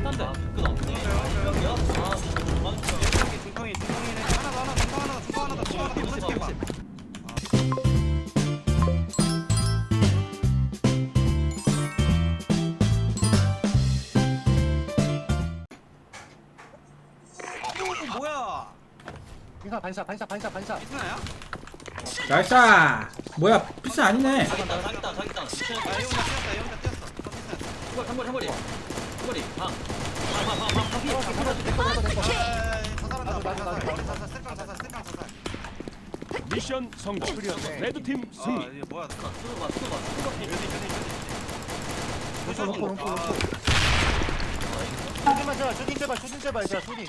딴데. 끝 없네. 여기야? 중통이네. 하나 더, 중통 하나 더. 오른쪽 봐. 뭐야? 반샷. 이스나야? 나이스. 뭐야 피스 아니네. 자기다. 아, 이 혼자 뛰었어. 한 머리. 방. 자살. 미션 성공. 레드팀 승리. 이게 뭐야? 수도봐. 쇼딩 제발 쇼딩.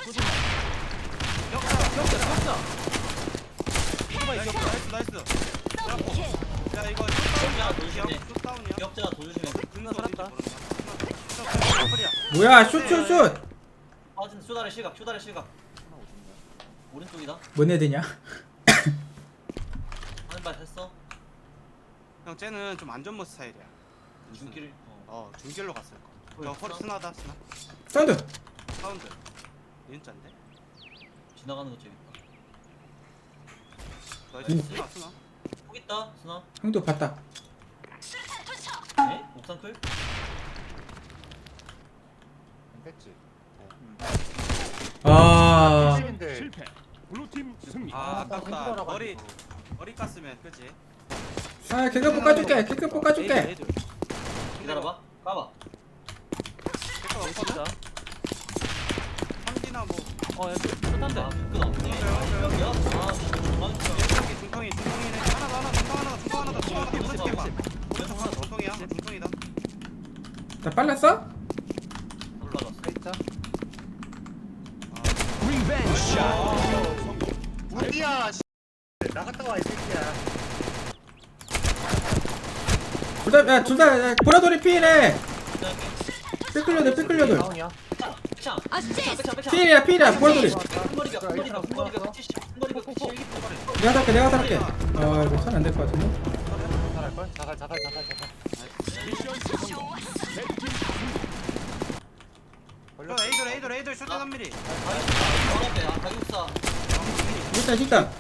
역사. 나이스. 야 이거 슛다운이야. 역자 도주시면 끝나 살았다. 뭐야 슛. 빠진 쇼다리 실각. 오른쪽이다. 뭔 애드냐? 하는 발 했어. 형 쟤는 좀 안전모 스타일이야. 중길. 중길로 갔을 거. 저 허리 스나다. 사운드. 사운드. 니은자인데? 지나가는 거 재밌다. 나이스 스나. 폭 있다. 스나. 형도 봤다. 에? 옥상 클? 됐지. 아 실패. 블루팀 승리. 아깝다. 머리 깠으면 그지? 아 개그 볶아줄게. 기다려봐. 까봐. 백업 없거든? 삼기나 뭐. 딴데. 끝 없네. 여기야? 중통이네. 하나 더. 오른쪽 봐. 중통이야. 중통이다. 나 빨랐어? 올라갔어. 리벤지 샷. 우디야. 나갔다 와 이 새끼야. 둘다 보라돌이 피해래. 삐끌려들. 다운이야. 피해야 보라돌이. 내가 살게. 아 이거 선 안 될 것 같은데. 자살할걸? 자살. 미션 성공. 레드팀 에이돌 슛 3mm. 가격사. 일단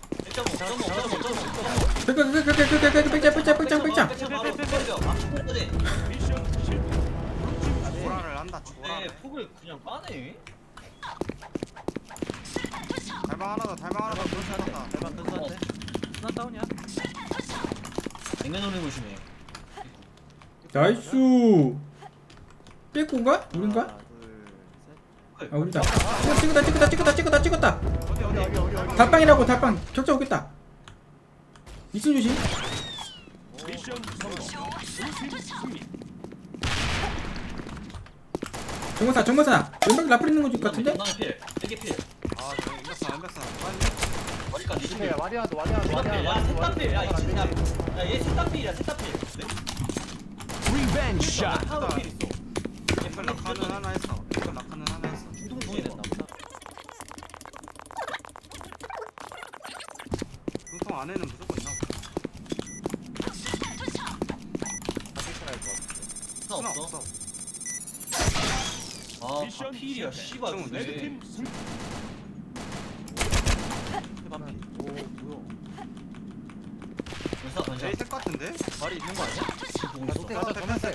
1.5. 빽빽. 미션 실패. 조라를 한다. 조라를. 폭을 그냥 빠네. 달방 하나 더. 그렇다. 스나 다운이야. 냉면 올리고 오시네. 나이스. 삐꾸인가? 우린가? 아 우리다. 찍었다. 어디. 달빵이라고 달빵 격자 오겠다. 이승 조심. 미션 성공. 블루팀 승리. 정모사 왼쪽 라플 있는 거 같은데? 나는 필. 되게 필. 저 인백산. 머리까지. 실패야. 와리아도. 야, 셋다필. 야, 이 야, 얘 셋다필이야. 리벤지 샷. 하나 필 있어. 이걸 낙하는 하나 했어. 중통 동이 됐나 보다. 중통 안에는 무조건 있나? 하나 없어. 아, 미션 필이야. 실패. 씨발. 근데. 레드팀 승리. 연사 제일 셀 같은데? 말이 있는 거 아니야? 높게 가자. 패스.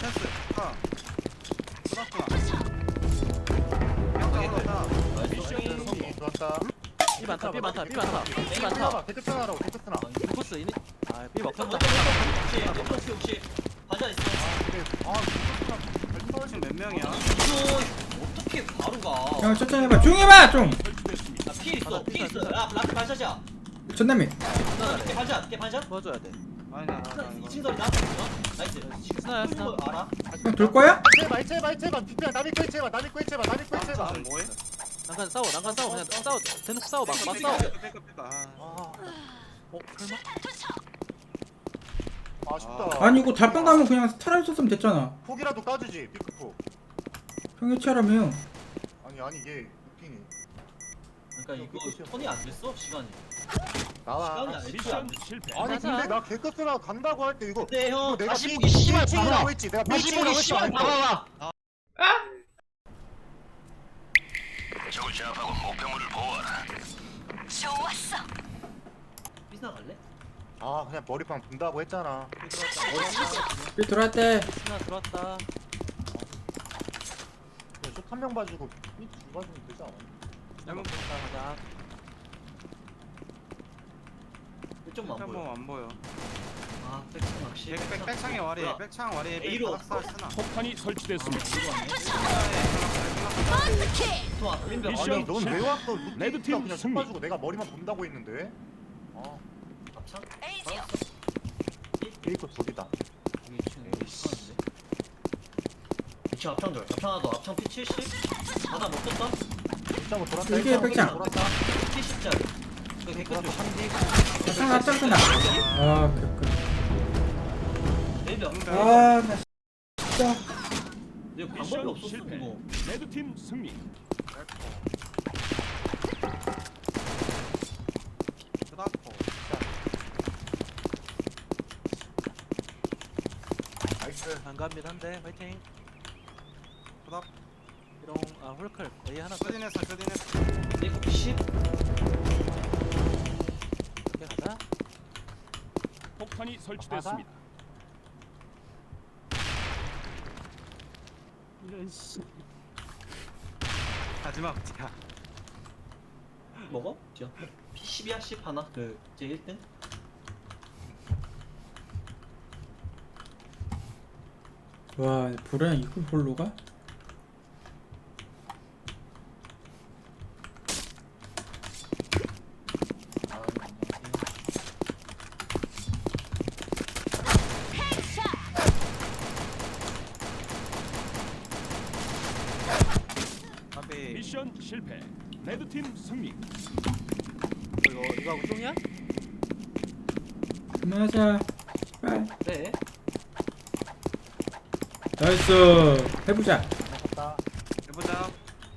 미션 성공. 좋았다. 삐 많다. 개특편하라고. 코스 이니. 삐 먹혔다. 혹시 반찬 있어? 지금 몇 명이야? 이거 어떻게 바로 가? 형 천천히 해봐. 조용히 해봐 좀. 설치됐습니다. 필 있어. 야, 라플 반샷이야. 전남이. 걔 반샷? 도와줘야 돼. 아니 2층 소리다. 나이스. 스나야, 쏘는 거 스나. 알아? 형 돌 거야? 제발. 비피야. 남이 거 제발. 뭐해? 난간 싸워. 그냥 싸워. 대놓고 싸워. 막 싸워. 설마? 아쉽다. 아니 이거 달빵 가면 그냥 탈할 썼으면 됐잖아. 폭이라도 까주지. 피크폭. 형 해체하라며. 아니 이게 느낌이. 그러니까 이거 턴이 안 됐어 시간이. 나와. 시간이 안 미션 됐어. 실패. 아니 맞아. 근데 나 개커스라 간다고 할 때 이거 근데 형 내가 다시 보기 씨발 삐치라고 봐봐. 했지. 내가 다시 보기 삐치라고 했지. 씨발 봐봐. 적을 제압하고 목표물을 보호하라. 삐스나 갈래? 아 그냥 머리빵 분다고 했잖아. 삐 들어왔대. 스나 들어왔다. 숏한 명 봐주고 삐 두 봐주면 되지 않아? 잘못 가자. 1점만 안 보여. 안 보여. 아, 백창 낚시. 백창에 와리. 뭐야? 백창 와리. A로 바닥살 쓰나. 폭탄이 설치됐습니다. 또 앞린 벽. 미션 아니 넌 왜 왔어? 루틴 레드팀 그냥 숏 승리. 봐주고 내가 머리만 본다고 했는데. 아 앞창? 페이커 둘이다. 이게 지금 하는데. 2층 앞창 절. 앞창 하나 더. 앞창 P70. 하나 못 떴다. 진짜 뭐 돌았다. 이게 일단 백창. 돌았다. P10짜리. 그 개끝 좀. 앞장 앞장 쓰나. 아 그렇군. 레이더. 아나 진짜. 이거 방법이 미션 없었어 실패. 이거. 레드팀 승리. 쓰다포. 나이스. 반갑니다. 화이팅. 쓰다. 이런 홀클 A 하나 쇼딘했어. 레이더 P10. 이렇게 가자. 폭탄이 설치됐습니다. 마지막 야. 먹어? 지어. P10이야 10 하나. 제 1등. 와 불안 이걸 홀로 가? 앞에 미션 실패. 레드팀 승리. 이거 하고 쫑이야? 그만하자. 빨리. 네. 나이스. 해보자. 갔다. 해보자.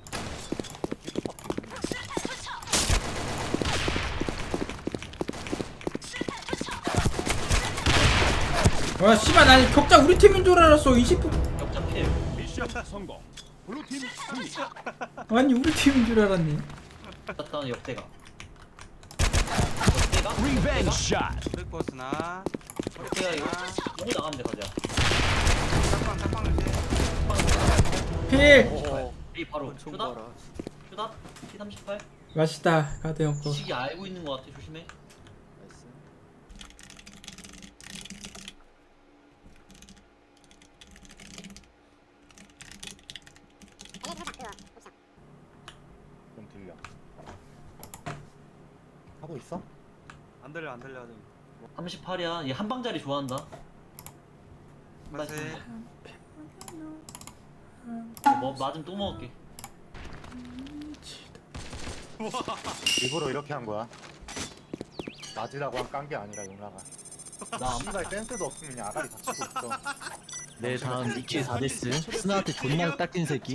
와 씨발 난 격자 우리 팀인 줄 알았어. 20분. 역자 필. 미션 성공. 블루팀 승리. 아니 우리 팀인 줄 알았네. 땄다는 역대가. 리벤지 샷. 뜰코스나. 역대가 이거. 여기 나가면 돼 가자. 짝방 주지. 필. 이 바로. 총 쇼다. 봐라. 쇼다. P38. 맛있다. 가드 형 거. 지식이 알고 있는 것 같아. 조심해. 나이스. 좀 들려. 하고 있어? 안 들려. 38이야. 얘 한방자리 좋아한다. 맞지. 뭐 맞으면 또 먹을게. 일부러 이렇게 한 거야. 맞으라고 한 깐 게 아니라 용라가. 나 아무날 센스도 없으면 그냥 아가리 다치고 있어. 내 다음 니키 4데스 스나한테 존나 딱진 새끼.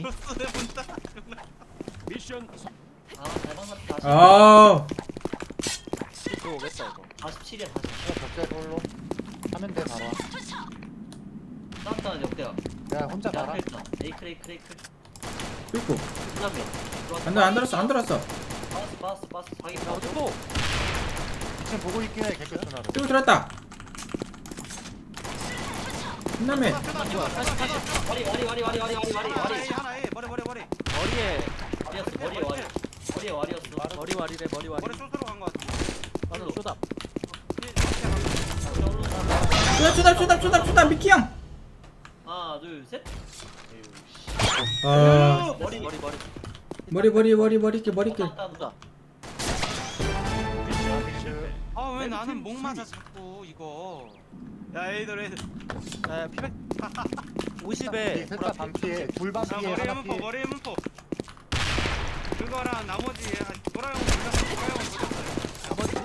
미션 성- 잘 만났다. 아. 들어오겠다 이거. 47이야 47. 격자에 걸로 하면 돼 바로. 나왔다 역대야. 내가 혼자 야 가라. 펠타. 에이클. 그리고 그다음에. 안 들었어 안 들었어. 빠졌어. 자기 야 빠졌어. 어쩌고? 2층 보고 있긴 해 개끗 전화로. 그리고 들었다. 끝나면 와리. A 하나 A. 머리. 머리에 머리에 와리였어. 머리와리래 머리와리. 머리 숏으로 간 거 같은데. 나는 쇼답. 쪼답 미키 형. 하나 둘 셋. 아 머리. 머리길. 다 미션 실패. 아 왜 레드팀 나는 목 맞아 승리. 자꾸 이거. 야 에이들. 야 피백. 이 50에 셋다 반피에 둘 반피에 머리에 하나 피에. 문포. 그거랑 나머지 도라형은 몰랐어요. 나머지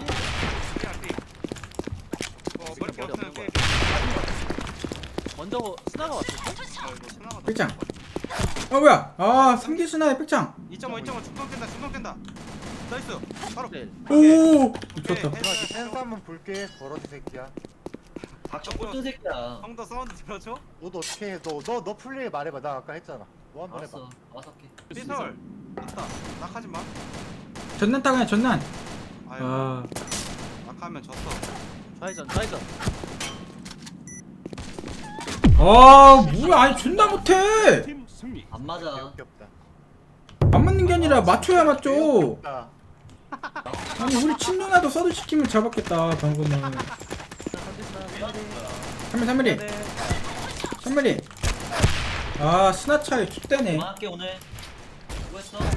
머리 없으면 거야. 돼. 먼저 스나가 왔을 때? 이거 신나가. 백장. 아 뭐야? 아 3기 스나의 백장. 2.5 중동 깬다. 나이스. 바로. 네. 오. 오케이, 좋다. 했어. 센스 한번 볼게. 버러지 새끼야. 박정 꼴등 새끼야. 형도 사운드 들어줘? 너도 어떻게 해? 너 플레이 말해봐. 나 아까 했잖아. 너 한번 해봐. 알았어. 알았어 할게. 피설. 됐다. 낙하지 마. 전난 따 그냥 전난. 아유, 아 낙하면 졌어. 좌회전 좌회전. 아 뭐야 아니 존나 못해. 팀 승리. 안 맞아. 개웃겼다. 안 맞는 게 아니라 맞춰야 맞죠. 개웃겼다. 아니 우리 친누나도 서드 시키면 잡았겠다 방금은. 3mm 3mm. 아 스나차에 툭대네. 그만할게 오늘. 수고했어.